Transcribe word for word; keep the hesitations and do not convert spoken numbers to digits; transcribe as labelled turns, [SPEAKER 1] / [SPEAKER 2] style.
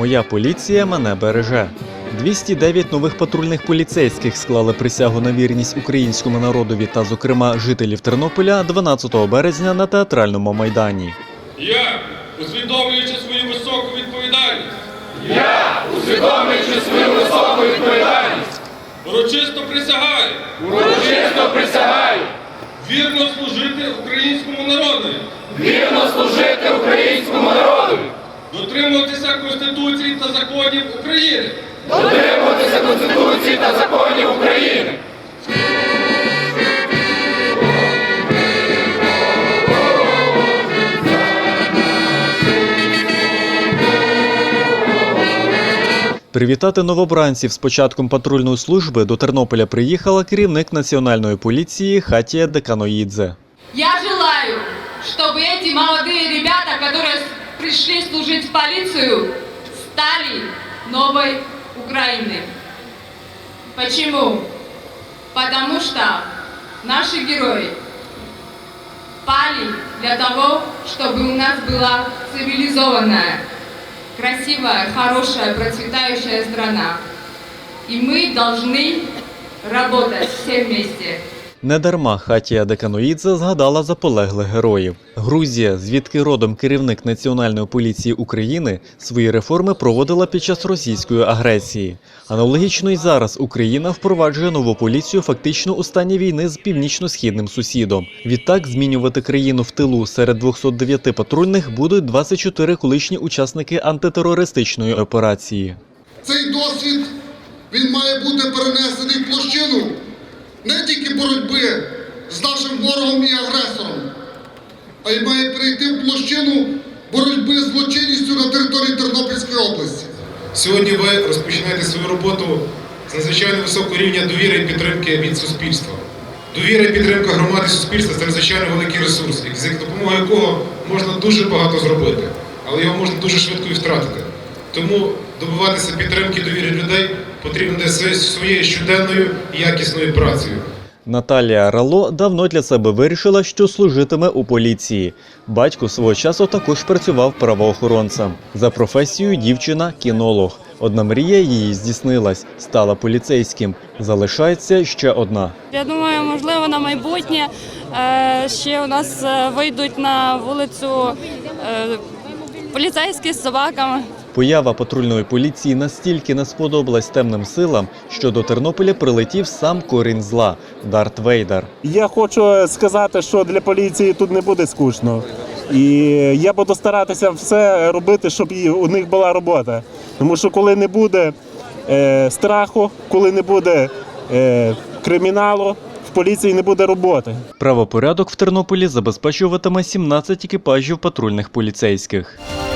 [SPEAKER 1] Моя поліція мене береже. двісті дев'ять нових патрульних поліцейських склали присягу на вірність українському народові та, зокрема, жителів Тернополя дванадцятого березня на Театральному майдані.
[SPEAKER 2] Я, усвідомлюючи свою високу відповідальність,
[SPEAKER 3] Я, усвідомлюючи свою високу відповідальність,
[SPEAKER 2] урочисто присягаю,
[SPEAKER 3] урочисто присягаю
[SPEAKER 2] вірно служити українському народу,
[SPEAKER 3] вірно служити українському народу,
[SPEAKER 2] дотримуватися Конституції та законів України,
[SPEAKER 3] дотримуватися Конституції та законів України.
[SPEAKER 1] Привітати новобранців з початком патрульної служби до Тернополя приїхала керівник Національної поліції Хатія Деканоїдзе.
[SPEAKER 4] Я желаю, чтобы эти молодые ребята, которые пришли служить в полицию, стали новой Украиной. Почему? Потому что наши герои пали для того, чтобы у нас была цивилизованная, красивая, хорошая, процветающая страна. И мы должны работать все вместе.
[SPEAKER 1] Недарма Хатія Деканоїдзе згадала за полеглих героїв. Грузія, звідки родом керівник Національної поліції України, свої реформи проводила під час російської агресії. Аналогічно й зараз Україна впроваджує нову поліцію фактично у стані війни з північно-східним сусідом. Відтак, змінювати країну в тилу серед двохсот дев'яти патрульних будуть двадцять чотири колишні учасники антитерористичної операції.
[SPEAKER 5] Цей досвід, він має бути перенесений в площину не тільки боротьби з нашим ворогом і агресором, а й має перейти в площину боротьби з злочинністю на території Тернопільської області.
[SPEAKER 6] Сьогодні ви розпочинаєте свою роботу з надзвичайно високого рівня довіри і підтримки від суспільства. Довіра і підтримка громади суспільства – це надзвичайно великий ресурс, за допомогою якого можна дуже багато зробити, але його можна дуже швидко і втратити. Тому добиватися підтримки довіри людей потрібно своєю щоденною і якісною працею.
[SPEAKER 1] Наталія Рало давно для себе вирішила, що служитиме у поліції. Батько свого часу також працював правоохоронцем. За професією дівчина – кінолог. Одна мрія її здійснилась – стала поліцейським. Залишається ще одна.
[SPEAKER 7] Я думаю, можливо, на майбутнє е, ще у нас е, вийдуть на вулицю е, поліцейські з собаками.
[SPEAKER 1] Поява патрульної поліції настільки не сподобалась темним силам, що до Тернополя прилетів сам корінь зла – Дарт Вейдер.
[SPEAKER 8] Я хочу сказати, що для поліції тут не буде скучно. І я буду старатися все робити, щоб у них була робота. Тому що коли не буде е, страху, коли не буде е, криміналу, в поліції не буде роботи.
[SPEAKER 1] Правопорядок в Тернополі забезпечуватиме сімнадцять екіпажів патрульних поліцейських.